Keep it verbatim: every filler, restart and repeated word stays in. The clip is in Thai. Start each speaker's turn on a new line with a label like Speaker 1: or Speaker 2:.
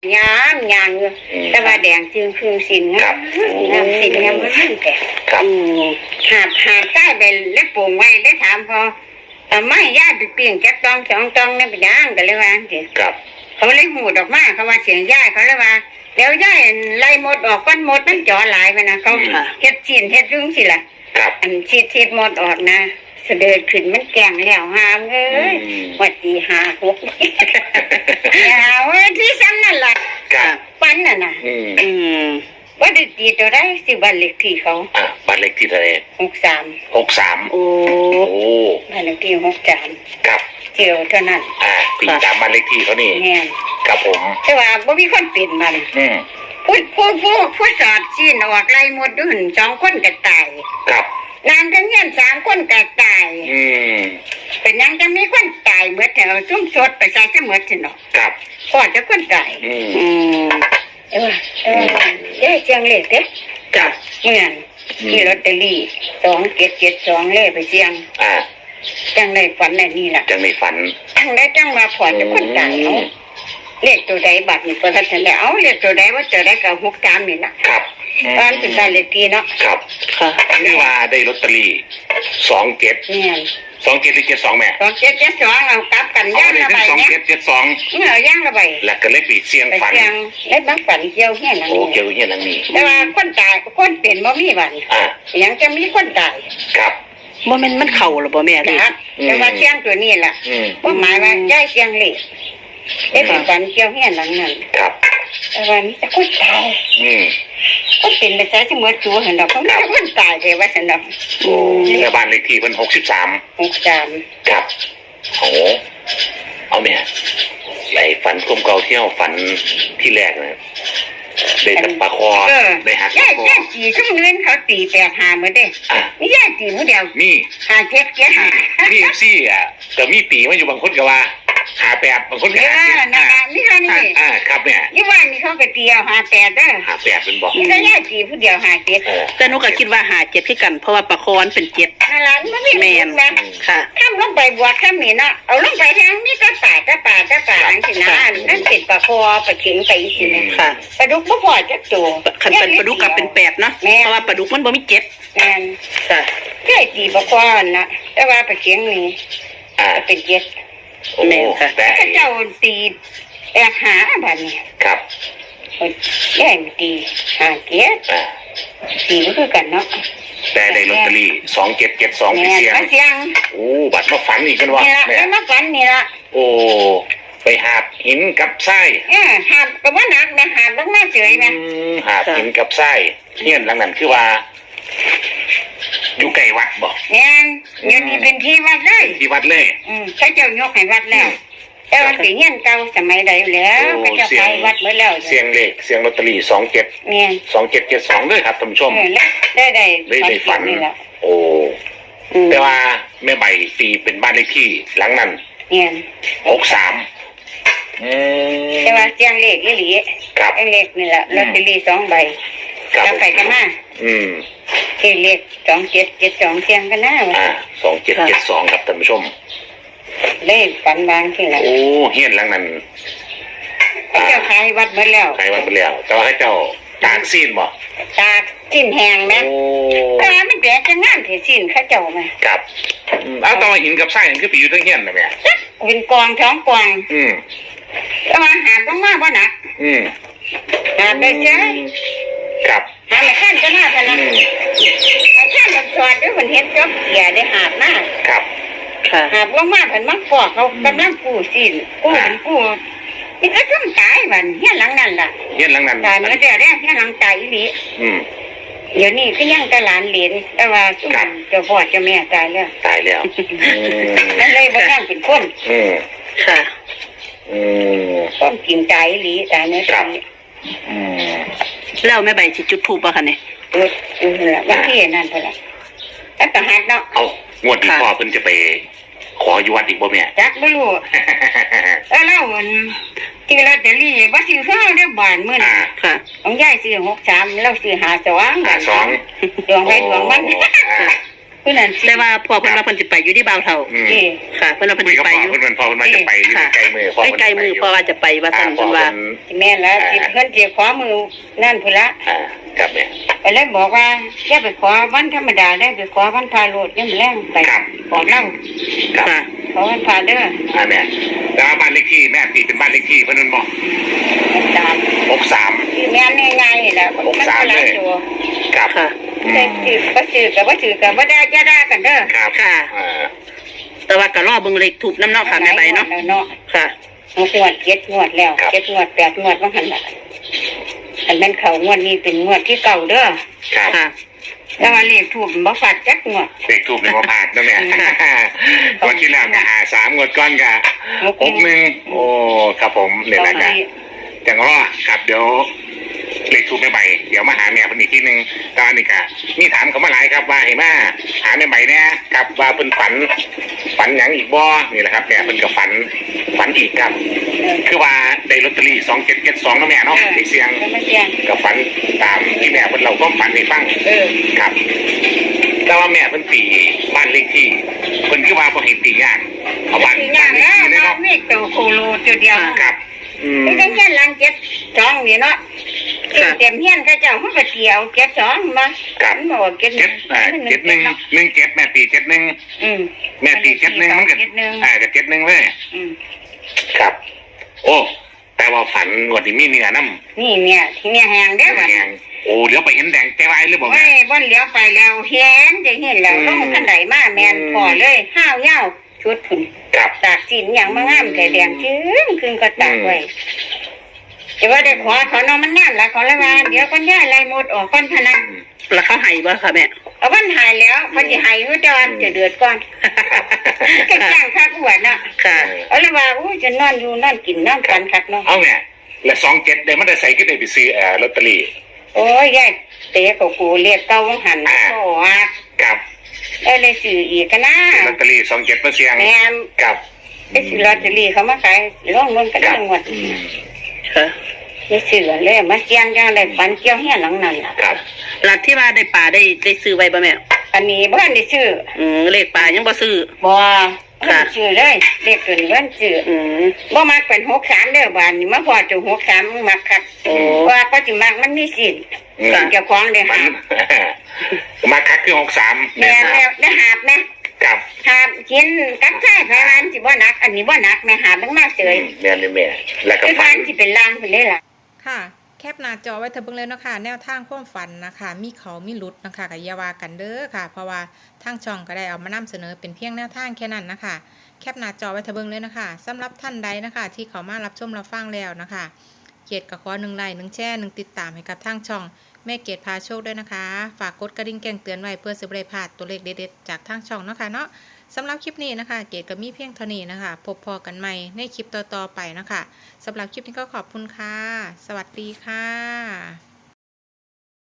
Speaker 1: ยามยางอยู่แต่ว่าแดงจึงคือสินงามงามสินงามมันแต่หาบหาบใต้ไปเล็บปงไว้ได้ถามพอแต่ไม่ญาติเปลี่ยนจักตองสองตองนี่ไปย่างกันเลยว่าสิเขาเลยหูดอกมาเขาว่าเสียงย่ายเขาเลยว่าเดี๋ยวย่ายไล่หมดออกก้อนหมดมันจ่อหลายไปนะเขาเฮ็ดจีนเฮ็ดรุ่งสิล่ะอันชีดชีดหมดออกนะเสด็จขึ้นมันแกงแล้วหามเอ้ยวัดตีหาหกหาเว้ยที่ซ้ำนั่นแหละปั้นน่ะนะอืมว่าได้ตีตัวได้สิบ้านเล็กที่เขา
Speaker 2: อ่าบ้านเล็กที่เท่าไหร่
Speaker 1: หกสาม
Speaker 2: หกสามโอ้
Speaker 1: บ้านเล็กที่หกสาม
Speaker 2: ครับ
Speaker 1: เจียวเท่านั้น
Speaker 2: อ่าตีตามบ้านเล็กที่เขานี่ครับผม
Speaker 1: แต่ว่าบ่มีคนปิดมัน
Speaker 2: อืม
Speaker 1: พูดพูดพูดพูดสอดซีนออกไล่หมดด้วยหุ่นสองคนก็ตาย
Speaker 2: ครับ
Speaker 1: นางกันเงี้ยสามคนก็ตาย
Speaker 2: อืม
Speaker 1: เป็นยังจะมีคนตายเมื่อแถวชุ่มชดไปใส่เสมอสิเนาะ
Speaker 2: ครับ
Speaker 1: ก่อนจะคนตาย
Speaker 2: อืม
Speaker 1: เออเออเด้เชียงเล็กเด้
Speaker 2: จ้ะ
Speaker 1: เมื่อนที่ลอตเตอรี่สองเจ็ดเจ็ดสองเล่ไปเชียง
Speaker 2: อ่า
Speaker 1: จังในฝันในนี่แหละ
Speaker 2: จังในฝัน
Speaker 1: จังได้จังมาผ่อนจะคนตายเนาะเลขตัวใดบัตรนี่ประทัดแล้วเอาเลขตัวใดว่าจะได้กับหกสามนี่นะครับตอนเป็นการเลขทีเนาะ
Speaker 2: ครับค่ะนี่ว่าได้ลอตเตอรี่สองเจ็ด
Speaker 1: เนี่ย
Speaker 2: สองเจ็ดหรือเจ็ดสองแม่
Speaker 1: สองเจ็ดเจ็ดสองเอากลับกันย่างระบาย
Speaker 2: เนี่ยสองเจ็ดเจ็ดสอง
Speaker 1: เอาย่างระบาย
Speaker 2: แล้วก็เลขปีเสียงฝัน
Speaker 1: เลขบางฝันเกี่ยวแค่นั้น
Speaker 2: โอ้เกี่ยวแค่นั้นนี่
Speaker 1: แต่ว่าคนตายคนเป็นบ่มีวัน
Speaker 2: อ่า
Speaker 1: ยังจะมีคนตาย
Speaker 2: ครับ
Speaker 3: บ่แม่นมันเข่าหรอบ่แม่
Speaker 1: ครับแต่ว่าเสียงตัวนี้แหละว่าหมายว่าย้ายเสียงเล็กเอ๊ะเป็นฝันเกี่ยวแค่หลังนั้น
Speaker 2: ครับ
Speaker 1: แต่ว่านี่จะคนตาย
Speaker 2: อืม
Speaker 1: ก็เป็นไปใช้ที่มือจูเห็นดอกเขาไม่ใช่คนตายเลยว่าฉันดอก
Speaker 2: โอ้ในบ้านเลขที่เพิ่นหกสิบสาม
Speaker 1: หกสาม
Speaker 2: ครับโอ้เอาเนี่ยไอ้ฝันกลมเก่าเที่ยวฝันที่แรกนะได้แต่ปลาคอได้หัก
Speaker 1: ย่าย่าจีช่วงนี้เขาตีแปดหาเหมือนเด้นี่ย่าจีมือเดียว
Speaker 2: นี่
Speaker 1: หาเจ็ดเจ็ดหา
Speaker 2: นี่เอฟซีอ่ะแต่มีตีมาอยู่บางคนก็ว่าหาแปดบางคนก็หาเจ็ด
Speaker 1: นะนี่ค่ะนี่
Speaker 2: อ่าครับเนี่ย
Speaker 1: ยี่ว่านี่เขาก็ตีเอาหาแปดเด้อ
Speaker 2: หาแปดเป็นบอก
Speaker 1: นี่ก็ย่าจีผู้เดียวหาเจ็ด
Speaker 3: แต่หนูก็คิดว่าหาเจ็ดคือกันเพราะว่าปลาคอนเป็นเจ็ด
Speaker 1: นั่นแหละมันไม่
Speaker 3: แม่นค่ะ
Speaker 1: ข้ามลงไปบวกข้ามนี่เนาะเอาลงไปทางนี่ก็ป่าก็ป่าก็ป่านั่นสินะนั่นติดปลาคอปลาเข็งไปสิเนี่ย
Speaker 3: ค่ะ
Speaker 1: ปลาดุกบ่พอจักตัว
Speaker 3: ขันเป็นปลาดุกกับเป็นแปดเนาะเพราะว่าปลาดุกมันบ่มีเจ็ด
Speaker 1: แม่น
Speaker 3: ค่ะ
Speaker 1: ใช่ตีปลาคอนะแต่ว่าปลาเข็งนี่
Speaker 2: อ่า
Speaker 1: เป็นเจ็ด
Speaker 3: แม่ค่ะ
Speaker 1: แต่เจ้าตีแอบหาบ้านนี่
Speaker 2: ครับ
Speaker 1: แย่งตีหาเจ็ดตีก็คือกันเนาะ
Speaker 2: แต่ได้ลอตเตอรี่สองเจ็ดเจ็ดสองที่เสียง
Speaker 1: เสียง
Speaker 2: โอ้บัตรมาฝันอีกกันวะ
Speaker 1: แม่มาฝันนี่ละ
Speaker 2: โอ้ไปหาบหินกับไส้
Speaker 1: เออหาบกับว่านักนะหาบลงมาเฉยนะ
Speaker 2: หาบหินกับไส้เฮี้ยนหลังนั้นคือว่าอยู่ใกล้วัดบ่
Speaker 1: เนี่ยเดี๋ยวนี้เป็นที่วัดเลย
Speaker 2: ที่วัดเลย
Speaker 1: อืมเขาเจ้ายกให้วัดแล้วแต่วันที่เฮี้ยนเก่าสมัยใดแล้วเขาเจ้าไปวัดเมื่อแล้ว
Speaker 2: เสียงเลขเสียงลอตเตอรี่สองเจ็ด
Speaker 1: เนี่ย
Speaker 2: สองเจ็ดเจ็ดสองด้วยครับท่านผู้ชม
Speaker 1: ได้ได้
Speaker 2: ได้ได้ฝันโอ้แต่ว่าแม่ใบตีเป็นบ้านเลขที่หลังนั้น
Speaker 1: เนี่ย
Speaker 2: หกสาม
Speaker 1: แต่ว่าเสียงเลขยี่หลี
Speaker 2: ครับ
Speaker 1: เสียงเลขนี่แหละลอตเตอรี่สองใบจะไปกันมา
Speaker 2: อืม
Speaker 1: ที่เลขสองเจ็ดเจ็ดสองเสียงกันหน้า
Speaker 2: อ่าสองเจ็ดเจ็ดสองครับท่านผู้ชม
Speaker 1: เลขฝันบางที่ไหน
Speaker 2: โอ้เฮี้ยนหลังนั้น
Speaker 1: เจ้าขายวัดหมดแล้ว
Speaker 2: ขายวัดหมดแล้วแต่ว่าให้เจ้าตากซีนบ่
Speaker 1: ตากซีนแห้งนะแต่มันแปลกจะงามที่ซีนข้าเจ้าไหม
Speaker 2: ครับเอาตอนหินกับไส้มันคือปีอยู่ทั้งเฮี้ยนนะแม่
Speaker 1: เป็นกองท้องกอง
Speaker 2: อืม
Speaker 1: แต่ว่าหาต้องมากว่านัก
Speaker 2: อืม
Speaker 1: หาได้ใช่
Speaker 2: ครับ
Speaker 1: หาไม่ขั้นก็น่าพนันไม่ขั้นมันสอดด้วยคนเห็นจบเกียได้หาบมาก
Speaker 2: ครับ
Speaker 1: หาบว่ามากผันมักปอกเขากำลังปูซีนปูปูนี่ก็ต้องตายวันเฮี้ยหลังนั่นล่ะ
Speaker 2: เฮี้ยหลังนั่น
Speaker 1: ตายมันก็จะแรกเฮี้ยหลังตายอีหลี
Speaker 2: อืม
Speaker 1: เดี๋ยวนี้ก็ยังตะหลานเหรียญแต่ว่าสุนเจ้าพ่อเจ้าแม่ตายแล้ว
Speaker 2: ตายแล้ว
Speaker 1: นั่นเลยบ่ยังเป็นคน
Speaker 2: อืม
Speaker 3: ค่ะ
Speaker 2: อืม
Speaker 1: ต้องกินตายอีหลีตายเนื้อตาย
Speaker 2: อืม
Speaker 3: แล้วแม่ใบสิจุดธูปบ่คะเนี่ย
Speaker 1: เออเออวันที่นั่นเท่าไหร่แล้วก็หัดเนาะ
Speaker 2: เอางวดที่พ่อเพิ่นจะไปขออยู่วัดอีกบ่แม่
Speaker 1: จักบ่รู้เออแล้วมันที่ลอตเตอรี่บ่ซื้อเฮาได้บานมื้อนี้
Speaker 3: ค่ะ
Speaker 1: ของยายซื้อหกสามแล้วซื้อห้าสอง
Speaker 2: ห้าสอง
Speaker 1: ดวงไปดวงมันผู้นั้นสิ
Speaker 3: แต่ว่าพ่อเพิ่นว่าเพิ่นสิไปอยู่ที่บ่าวเฒ่า
Speaker 2: อืม
Speaker 1: นี่
Speaker 3: ค่ะเพิ่นว่าเพิ่น
Speaker 2: คุย
Speaker 3: สิ
Speaker 2: กับ
Speaker 3: ไป
Speaker 2: พ่อ
Speaker 3: อยู่
Speaker 2: เพิ่นพ่อเพิ่นมาจะไปอยู่
Speaker 3: ค่ะ
Speaker 2: ใกล้มือพ่อ
Speaker 3: ใกล้ๆมือพ่อว่าจะไปว่าซั่นเพิ่นว่า
Speaker 1: แม่นแล้วสิเพิ่นสิขอมือนั่นพุ่นละ
Speaker 2: อ่าครับแม่
Speaker 1: ก็เลยบอกว่าอย่าไปขอวันธรรมดาได้ไปขอวันพาโลดยังแรงไปขอเล่า
Speaker 2: ครับ
Speaker 3: ค่ะ
Speaker 1: ขอวันพาเด้อ
Speaker 2: อ่าแม่แล้วบ้านเลขที่แม่ตีเป็นบ้านเลขที่เพิ่นนั่นบอก
Speaker 1: ตาม
Speaker 2: หกสาม
Speaker 1: ที่แม่นง่ายๆนี่แหละมันก็หลายตัว
Speaker 2: ครับ
Speaker 3: ค่ะ
Speaker 2: อื
Speaker 1: แต่
Speaker 2: ม
Speaker 1: สื่อก็สื่อกับว่าสื่อกับว่าได้จะได้กันเด้อ
Speaker 2: ครับ
Speaker 3: ค่ะ
Speaker 2: อ่า
Speaker 3: แต่ว่าก็รอเบิ่งเลขถูกน้ำเนาะค่ะแม่ใบเนาะ
Speaker 1: เนาะ
Speaker 3: ค่ะ
Speaker 1: งวดเจ็ดงวดแล้วเจ็ดงวดแปดงวดว่าหันละอันนั้นเขางวดนี้เป็นงวดที่เก่าเด้อ
Speaker 2: ครับ
Speaker 3: ค่ะ
Speaker 1: แต่ว่าเลขถูกบ่ฝาดจักงวด
Speaker 2: เลขทูบในบ่ผ่านนะแม่วันที่แล้วก็หาสามงวดก้อนก็หกหนึ่งโอ้ครับผมเนี่ยแหละครับจังรอครับเดี๋ยวเลขทูบไม่ใบเดี๋ยวมาหาแม่เพิ่นอีกทีหนึงตอนนี้ก็มีถามเขามาหลายครับว่าเห็นมาหาแม่ใบเนี่ยครับว่าเพิ่นฝันฝันหยังอีกบ่นี่แหละครับแม่เพิ่นก็ฝันฝันอีกครับ คือว่าได้ลอตเตอรี่สองเจ็ดเจ็ดสองนะแม่เนาะได้เสียง
Speaker 1: ก็ไม่เสียง
Speaker 2: ก็ฝันตามที่แม่เพิ่นเราก็ฝันให้ฟัง
Speaker 1: เออ
Speaker 2: ครับ แต่ว่าแม่เพิ่นตีบ้านเลขที่เพิ่นคือว่าบ่เห็นตียากเอาบ้าน
Speaker 1: ที่ย่างแล้ว
Speaker 2: เลขที่เลย
Speaker 1: เรา
Speaker 2: เนาะ
Speaker 1: มีตัวโคโลตัวเดียว
Speaker 2: ครับ อืม
Speaker 1: ไม่ได้เงี้ยหลังเจ็ดสองนี่เนาะเต็มเฮียนเขาเจ้าเขาก็เกี่ยวเจ็ดสองมามันบอกเจ็ด
Speaker 2: เจ็ดอ่าเจ็ดหนึ่งหนึ่งเจ็ดแม่ตีเจ็ดหนึ่ง
Speaker 1: อืม
Speaker 2: แม่ตีเจ็ดหนึ่งมันก็
Speaker 1: เจ็ดหนึ่ง
Speaker 2: อ่าก็เจ็ดหนึ่งเลย
Speaker 1: อืม
Speaker 2: ครับ โอ้แต่ว่าฝันงวดนี้มีเนื้อน้ำ
Speaker 1: นี่เนี่ยที่เนี่ยแหงเด้อ
Speaker 2: แดงโอ้เดี๋ยวไปเห็นแดงใจวายหรือเปล่า
Speaker 1: ไม่
Speaker 2: แม่
Speaker 1: บ่นเลี้ยวไปแล้วเห็นจะเห็นแล้ว
Speaker 2: อืม
Speaker 1: ลงขันไหนมาแมนพอเลยห้าวเหย้าชุดผุน
Speaker 2: ครับ
Speaker 1: ตากสินอย่างมางามแต่แดงชื้นคืนก็ตากไว้แต่ว่าได้ขอเขาเนาะมันงานละขอละว่าเดี๋ยวคนย่าไรหมดออกก้อนพนัน
Speaker 3: แล้วเขาให้บ่ค่ะแม่
Speaker 1: เอาวันหายแล้วพอจะหายก็จอนจะเดือดก่อนก็จ้างค่าขวดน่ะ
Speaker 3: ค่ะ
Speaker 1: เอาละว่าอู้จะนอนอยู่นอนกินนอนกันคักเนาะ
Speaker 2: เอาเนี่ยและสองเจ็ดเดี๋ยวมันจะใส่ขึ้นในไปซื้อเอ่อลอตเตอรี่
Speaker 1: โอ้ยยายเตะกับกูเรียกเก้าหันโอ้ว่า
Speaker 2: กับ
Speaker 1: เออเลยสื่ออีกกันนะ
Speaker 2: ลอตเตอรี่สองเจ็ดเปอร์เซ็นต์
Speaker 1: แม่ม
Speaker 2: กับ
Speaker 1: ไอ้สื่อลอตเตอรี่เขามาขายร่องเงินกัน
Speaker 2: กับ
Speaker 1: ทั้งหมด
Speaker 3: ค่ะ
Speaker 1: ไม่สื่อเลยมาเจียงจังเลยฝันเกี่ยวเฮียหลังนั่นล่ะ
Speaker 2: กับ
Speaker 3: หลักที่ว่าได้ปลาได้ได้ซื้อไว้บ่แม่
Speaker 1: อันนี้บ้านได้ซื้อ
Speaker 3: อืมเลขปลายังบ่ซื้อ
Speaker 1: บ่
Speaker 3: ค่ะ
Speaker 1: ซื้อเลยเด็กเกินเงินซื้อ
Speaker 3: อืม
Speaker 1: บ่มักเป็นหกสามเด้อบ้านนี่มาพอจะหกสามมักคัก
Speaker 3: โอ้
Speaker 1: ว่าก็สิมักมันมีสิทธิ์
Speaker 2: กับ
Speaker 1: เจ้าของได้
Speaker 2: มัน
Speaker 1: หาบ
Speaker 2: มาคักคือหกสาม
Speaker 1: แม่แล้วได้หาบนะ
Speaker 2: กับ
Speaker 1: หาบกินกับใช้ไผวันสิบ่หนัก อันนี้บ่หนักแม่หาบมันมาเฉย
Speaker 2: แม่นี่แม่แล้วก็
Speaker 1: ไอ้
Speaker 2: ฟั
Speaker 1: ฟัน นสิเป็นลางเพิ่นได้ล่ะ
Speaker 4: ค่ะแคปหน้าจอไว้เถอะเบิ่งเลยเนาะค่ะแนวทางความฝันนะคะมีเขามีหลุดนะคะกับยาวากันเด้อค่ะ เพราะว่าทางช่องก็ได้เอามานำเสนอเป็นเพียงแนวทางแค่นั้นนะคะแคปหน้าจอไว้เถอะเบิ่งเลยนะคะสำหรับท่านใดนะคะ ที่เขามารับชมรับฟังแล้วนะคะเกียรติกับขอหนึ่งไลค์หนึ่งแชร์หนึ่งติดตามให้กับทางช่องแม่เกียรติพาโชคด้วยนะคะฝากกดกระดิ่งแจ้งเตือนไว้เพื่อสิบได้พลาดตัวเลขเด็ดๆจากทางช่องเนาะค่ะเนาะสำหรับคลิปนี้นะคะ เกดก็มีเพียงเท่านี้นะคะพบพอกันใหม่ในคลิปต่อๆไปนะคะสำหรับคลิปนี้ก็ขอบคุณค่ะ สวัสดีค่ะ